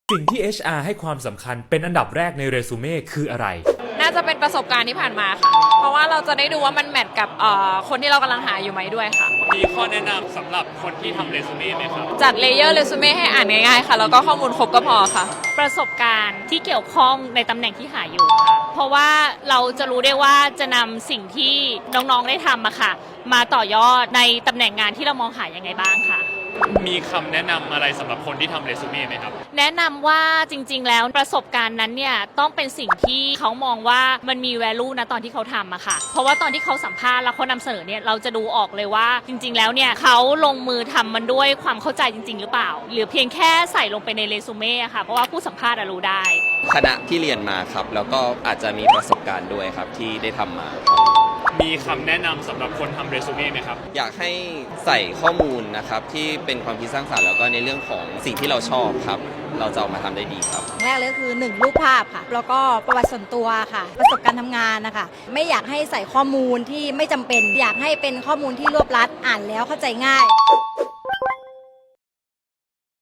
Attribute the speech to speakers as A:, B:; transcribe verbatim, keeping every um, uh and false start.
A: สิ่งที่ เอช อาร์ ให้ความสำคัญเป็นอันดับแรกในเรซูเม่คืออะไร
B: น่าจะเป็นประสบการณ์ที่ผ่านมาค่ะเพราะว่าเราจะได้ดูว่ามันแมทกับคนที่เรากำลังหาอยู่ไหมด้วยค่ะ
C: มีข้อแนะนำสำหรับคนที่ทำเรซูเม่ไหมครับ
B: จัดเลเยอร์เรซูเม่ให้อ่านง่ายๆค่ะแล้วก็ข้อมูลครบก็พอค่ะ
D: ประสบการณ์ที่เกี่ยวข้องในตำแหน่งที่หาอยู่ค่ะเพราะว่าเราจะรู้ได้ว่าจะนำสิ่งที่น้องๆได้ทำอะค่ะมาต่อยอดในตำแหน่งงานที่เรามองหายังไงบ้างค่ะ
C: มีคำแนะนำอะไรสำหรับคนที่ทำเรซูเม่ไหมครับ
D: แนะนำว่าจริงๆแล้วประสบการณ์นั้นเนี่ยต้องเป็นสิ่งที่เขามองว่ามันมี value นะตอนที่เขาทำอะค่ะเพราะว่าตอนที่เขาสัมภาษณ์แล้วเขานำเสนอเนี่ยเราจะดูออกเลยว่าจริงๆแล้วเนี่ยเขาลงมือทำมันด้วยความเข้าใจจริงๆหรือเปล่าหรือเพียงแค่ใส่ลงไปในเรซูเม่อะค่ะเพราะว่าผู้สัมภาษณ์รู้ได้
E: คณะที่เรียนมาครับแล้วก็อาจจะมีประสบการณ์ด้วยครับที่ได้ทำมา
C: มีคำแนะนำสำหรับคนทำเรซูเม่ไหมครับ
E: อยากให้ใส่ข้อมูลนะครับที่เป็นความคิดสร้างสรรค์แล้วก็ในเรื่องของสิ่งที่เราชอบครับเราจะเอามาทำได้ดีครับ
F: แรกเลยคือหนึ่งรูปภาพค่ะแล้วก็ประวัติส่วนตัวค่ะประสบการณ์ทำงานนะคะไม่อยากให้ใส่ข้อมูลที่ไม่จำเป็นอยากให้เป็นข้อมูลที่รวบรัดอ่านแล้วเข้าใจง่าย